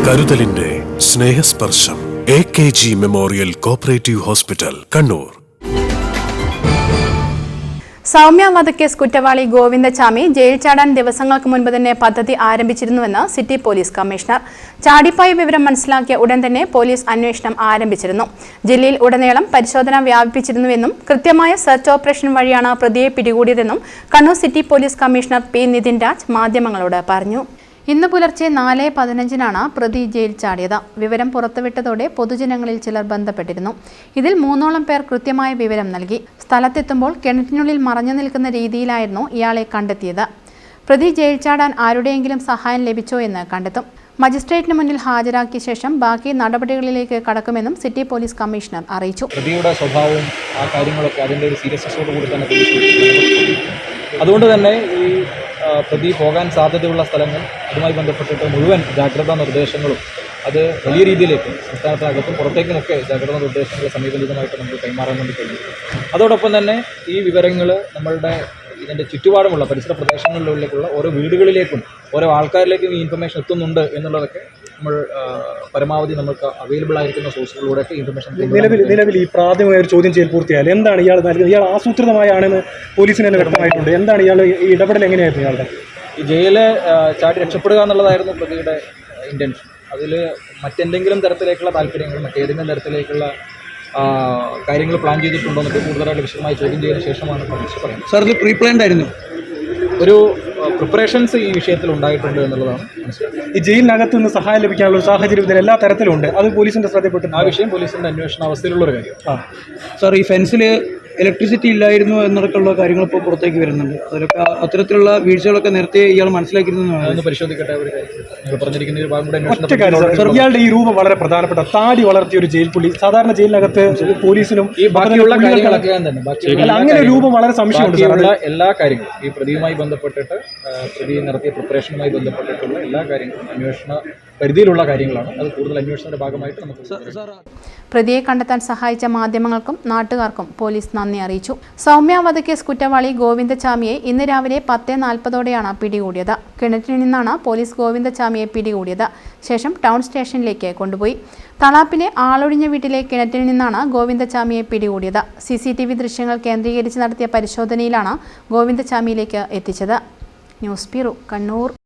കരുതലിന്റെ സ്നേഹസ്പർശം AKG memorial cooperative hospital, Kannur. Soumya വധക്കേസ് കുറ്റവാളി ഗോവിന്ദചാമി ജയിൽ ചാടാൻ ദിവസങ്ങൾക്ക് മുൻപ് തന്നെ പദ്ധതി ആരംഭിച്ചിരുന്നുവെന്ന് സിറ്റി പോലീസ് കമ്മീഷണർ. ചാടിപ്പായ വിവരം മനസ്സിലാക്കിയ ഉടൻ തന്നെ പോലീസ് അന്വേഷണം ആരംഭിച്ചിരുന്നു. ജില്ലയിൽ ഉടനീളം പരിശോധന വ്യാപിപ്പിച്ചിരുന്നുവെന്നും കൃത്യമായ സെർച്ച് ഓപ്പറേഷൻ വഴിയാണ് പ്രതിയെ പിടികൂടിയതെന്നും Kannur city police commissioner P. Nithin Raj മാധ്യമങ്ങളോട് പറഞ്ഞു. ഇന്ന് പുലർച്ചെ 4:15-നാണ് പ്രതി ജയിൽ ചാടിയത്. വിവരം പുറത്തുവിട്ടതോടെ പൊതുജനങ്ങളിൽ ചിലർ ബന്ധപ്പെട്ടിരുന്നു. ഇതിൽ 3ഓളം പേർ കൃത്യമായ വിവരം നൽകി. സ്ഥലത്തെത്തുമ്പോൾ കിണറ്റിനുള്ളിൽ മറഞ്ഞു നിൽക്കുന്ന രീതിയിലായിരുന്നു ഇയാളെ കണ്ടെത്തിയത്. പ്രതി ജയിൽ ചാടാൻ ആരുടെയെങ്കിലും സഹായം ലഭിച്ചോ എന്ന് കണ്ടെത്തും. മജിസ്ട്രേറ്റിന് മുന്നിൽ ഹാജരാക്കിയ ശേഷം ബാക്കി നടപടികളിലേക്ക് കടക്കുമെന്നും സിറ്റി പോലീസ് കമ്മീഷണർ അറിയിച്ചു. പ്രതിയുടെ സ്വഭാവവും ആ കാര്യങ്ങളൊക്കെ അതിൻ്റെ ഒരു സീരിയസ്നെസ്സോടുകൂടി തന്നെ അതുകൊണ്ട് തന്നെ ഈ പ്രതി പോകാൻ സാധ്യതയുള്ള സ്ഥലങ്ങൾ അതുമായി ബന്ധപ്പെട്ടിട്ട് മുഴുവൻ ജാഗ്രതാ നിർദ്ദേശങ്ങളും അത് വലിയ രീതിയിലേക്ക് സംസ്ഥാനത്തിനകത്തും പുറത്തേക്കുമൊക്കെ ജാഗ്രതാ നിർദ്ദേശങ്ങൾ സമീപനിതമായിട്ട് നമുക്ക് കൈമാറാൻ വേണ്ടി കഴിയും. അതോടൊപ്പം തന്നെ ഈ വിവരങ്ങൾ നമ്മളുടെ ഇതിൻ്റെ ചുറ്റുപാടുമുള്ള പരിസര പ്രദേശങ്ങളിലേക്കുള്ള ഓരോ വീടുകളിലേക്കും ഓരോ ആൾക്കാരിലേക്കും ഈ ഇൻഫർമേഷൻ എത്തുന്നുണ്ട് എന്നുള്ളതൊക്കെ നമ്മൾ പരമാവധി നമുക്ക് അവൈലബിൾ ആയിരിക്കുന്ന സോഴ്സുകളിലൂടെയൊക്കെ ഇൻഫർമേഷൻ നിലവിൽ ഈ പ്രാഥമിക ഒരു ചോദ്യം ചെയ്യൽ പൂർത്തിയായാലും എന്താണ് ഇയാൾ നൽകുന്നത്? ഇയാൾ ആസൂത്രിതമായാണെന്ന് പോലീസിന് തന്നെ വ്യക്തമായിട്ടുണ്ട്. എന്താണ് ഇയാൾ ഈ ഇടപെടൽ എങ്ങനെയായിരുന്നു ഇയാളുടെ? ഈ ജയില് ചാടി രക്ഷപ്പെടുക എന്നുള്ളതായിരുന്നു പ്രതിയുടെ ഇൻറ്റൻഷൻ. അതിൽ മറ്റെന്തെങ്കിലും തരത്തിലേക്കുള്ള താല്പര്യങ്ങൾ മറ്റേതെങ്കിലും തരത്തിലേക്കുള്ള കാര്യങ്ങൾ പ്ലാൻ ചെയ്തിട്ടുണ്ടോ എന്നൊക്കെ കൂടുതലായിട്ട് വിശദമായി ചോദ്യം ചെയ്തതിനു ശേഷമാണ് പോലീസ് പറയുന്നത്. സാർ, ഇത് പ്രീ പ്ലാൻഡ് ആയിരുന്നു? ഒരു പ്രിപ്പറേഷൻസ് ഈ വിഷയത്തിൽ ഉണ്ടായിട്ടുണ്ട് എന്നുള്ളതാണ് മനസ്സിലാക്കുന്നത്. ഈ ജയിലിനകത്ത് നിന്ന് സഹായം ലഭിക്കാനുള്ള ഒരു സാഹചര്യം ഇതിൽ എല്ലാ തരത്തിലുണ്ട്. അത് പോലീസിൻ്റെ ശ്രദ്ധപ്പെട്ടു. ആ വിഷയം പോലീസിൻ്റെ അന്വേഷണ അവസ്ഥയിലുള്ളൊരു കാര്യം. സാർ, ഈ ഫെൻസിൽ ഇലക്ട്രിസിറ്റി ഇല്ലായിരുന്നു എന്നൊക്കെയുള്ള കാര്യങ്ങൾ ഇപ്പോൾ പുറത്തേക്ക് വരുന്നുണ്ട്. അതിലൊക്കെ അത്തരത്തിലുള്ള വീഴ്ചകളൊക്കെ നേരത്തെ ഇയാൾ മനസ്സിലാക്കിയിരുന്നതാണ്. അതൊന്ന് പരിശോധിക്കട്ടെ. നിങ്ങൾ പറഞ്ഞിരിക്കുന്ന ഒരു ഭാഗം കൂടെ ഇയാളുടെ ഈ രൂപം വളരെ പ്രധാനപ്പെട്ട താടി വളർത്തിയ ഒരു ജയിൽ പുള്ളി. സാധാരണ ജയിലിനകത്ത് പോലീസിനും ഈ ബാക്കിയുള്ള കാര്യങ്ങളൊക്കെ തന്നെ അങ്ങനെ രൂപം വളരെ സംശയമുണ്ട്. എല്ലാ കാര്യങ്ങളും ഈ പ്രതിയുമായി ബന്ധപ്പെട്ടിട്ട് പ്രതി നടത്തിയ പ്രിപ്പറേഷനുമായി ബന്ധപ്പെട്ടിട്ടുള്ള എല്ലാ കാര്യങ്ങളും അന്വേഷണ പരിധിയിലുള്ള കാര്യങ്ങളാണ്. അത് കൂടുതൽ അന്വേഷണത്തിന്റെ ഭാഗമായിട്ട് നമുക്ക് പ്രതിയെ കണ്ടെത്താൻ സഹായിച്ച മാധ്യമങ്ങൾക്കും നാട്ടുകാർക്കും പോലീസ് നന്ദി അറിയിച്ചു. സൗമ്യ വധക്കേസ് കുറ്റവാളി ഗോവിന്ദചാമിയെ ഇന്ന് രാവിലെ 10:40-ഓടെയാണ് പിടികൂടിയത്. കിണറ്റിൽ നിന്നാണ് പോലീസ് ഗോവിന്ദചാമിയെ പിടികൂടിയത്. ശേഷം ടൗൺ സ്റ്റേഷനിലേക്ക് കൊണ്ടുപോയി. തളാപ്പിലെ ആളൊഴിഞ്ഞ വീട്ടിലെ കിണറ്റിൽ നിന്നാണ് ഗോവിന്ദചാമിയെ പിടികൂടിയത്. CCTV ദൃശ്യങ്ങൾ കേന്ദ്രീകരിച്ച് നടത്തിയ പരിശോധനയിലാണ് ഗോവിന്ദചാമിയിലേക്ക് എത്തിച്ചത്. News bureau, Kannur.